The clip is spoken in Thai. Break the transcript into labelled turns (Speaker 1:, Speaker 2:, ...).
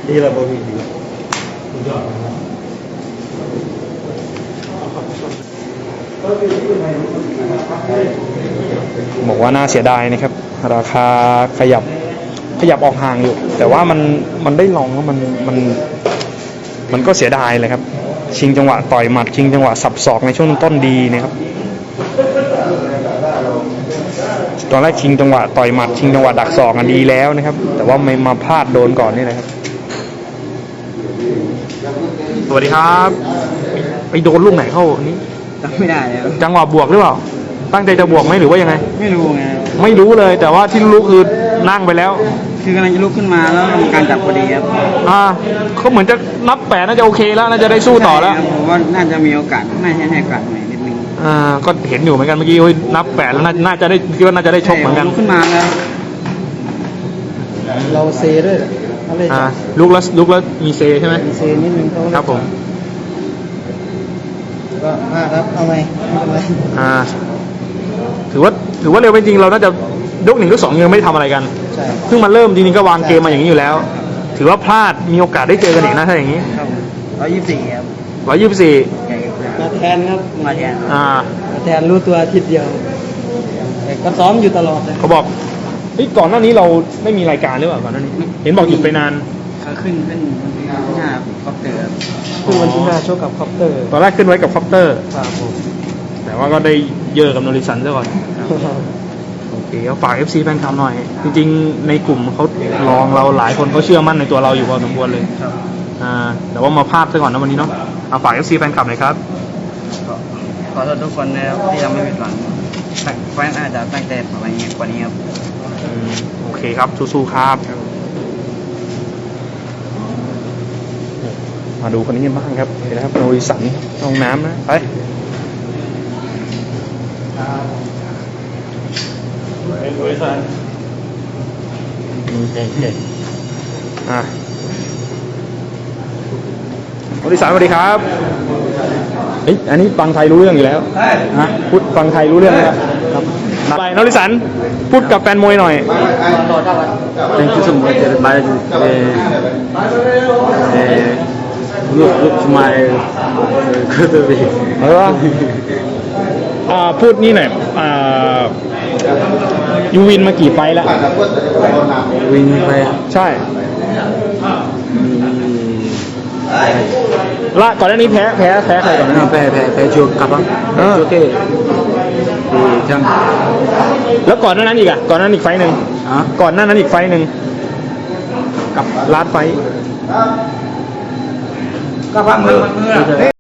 Speaker 1: ดีละบมีดียอด
Speaker 2: บอกว่าน่าเสียดายนะครับราคาขยับออกห่างอยู่แต่ว่ามันได้ลองแล้วมันก็เสียดายเลยครับชิงจังหวะต่อยหมัดชิงจังหวะสับศอกในช่วงต้นดีนะครับตอนแรกชิงจังหวะต่อยหมัดชิงจังหวะดักศอกกันดีแล้วนะครับแต่ว่าไม่มาพลาดโดนก่อนนี่แหละครับสวัสดีครับไปโดนลูกไหนเข้านี้
Speaker 3: จำไม่ได้แล้ว
Speaker 2: จังหวะบวกหรือเปล่าตั้งใจจะบวกไหมหรือว่ายังไง
Speaker 3: ไม่รู้ไง
Speaker 2: ไม่รู้เลยแต่ว่าที่รู้คือนั่งไปแล้ว
Speaker 3: คือกำลังจะลุกขึ้นมาแล้วมีการจับพอดีครับ
Speaker 2: เขาเหมือนจะนับ8น่าจะโอเคแล้วน่าจะได้สู้ต่อแล้ว
Speaker 3: ผมว่าน่าจะมีโอกาสน่าจะให้โอกาสหน่อยนิดนึง
Speaker 2: ก็เห็นอยู่เหมือนกันเมื่อกี้นับ8แล้วน่าจะได้คิดว่าน่าจะได้ชกเหมือนกัน
Speaker 3: ขึ้นมาแล้วเราเซด้วย
Speaker 2: ลุกแล้วมีเซใช่ไหม
Speaker 3: มีเซนิดนึง
Speaker 2: ครับผม
Speaker 3: ก็ครับเอาไง
Speaker 2: ถือว่าเร็วเป็นจริงเราน่าจะยก1ยก2ยังไม่ทำอะไรกัน
Speaker 3: ใช่
Speaker 2: เพิ่งมาเริ่มจริงๆก็วางเกมมาอย่างนี้อยู่แล้วถือว่าพลาดมีโอกาสได้เจอกันอีกนะถ้าอย่างนี้
Speaker 3: ครับ124ครับ
Speaker 2: 124
Speaker 3: มาแทนครับมาแทนรู้ตัวอาทิตย์เดียวแต่ก็ซ้อมอยู่ตลอดเลย
Speaker 2: เขาบอกก่อนหน้านี้เราไม่มีรายการหรือเปล่าก่อนหน้านี้เห็นบอกหยุดไปนาน
Speaker 3: ขึ้นวันที่5คอปเตอร์ขึ้นวันที่5โชคกับคอปเตอร์
Speaker 2: ตอนแรกขึ้นไว้กับคอปเตอร์
Speaker 3: ครับผม
Speaker 2: แต่ว่าก็ได้เยอะกับโนริสันซะก่อนโอเคฝาก FC แฟนคลับหน่อยจริงๆในกลุ่มเขาลองเราหลายคนเขาเชื่อมั่นในตัวเราอยู่พอสมควรเลยแต่ว่ามาพลาดซะก่อนนะวันนี้เนาะฝาก FC แฟนคลับหน่อยครับ
Speaker 3: ขอโทษทุกคนนะครับที่ทำให้ผิดหวังแฟนอาจจะตั้งใจอะไรเงี้ยกว่านี้ครับ
Speaker 2: โอเคครับสู้ๆครับมาดูคนนี้กันบ้างครับเห็นไหมครับโนริสันห้องน้ำนะไป
Speaker 1: โนริสันเก่ง
Speaker 2: โนริสันสวัสดีครับอันนี้ฟังไทยรู้เรื่องอยู่แล้วพูดฟังไทยรู้เรื่องแล้วครับไปโนริสันพูดกับแฟนมวยหน่อย
Speaker 3: Thank you so much everybody look to my good way
Speaker 2: พูดนี่หน่อยยูวินมากี่ไฟแล้ว
Speaker 3: วินไป
Speaker 2: ใช่ละก่อนหน้านี้แพ้ใครก่อนหน้านี้
Speaker 3: แพ้จูกับโอเคจัง
Speaker 2: แล้วก่อนหน้านั้นอีกก่อนหน้านั้นอีกไฟหนึ่งก่อนหน้านั้นอีกไฟหนึ่งกับลาดไฟ
Speaker 3: ก็พักมือ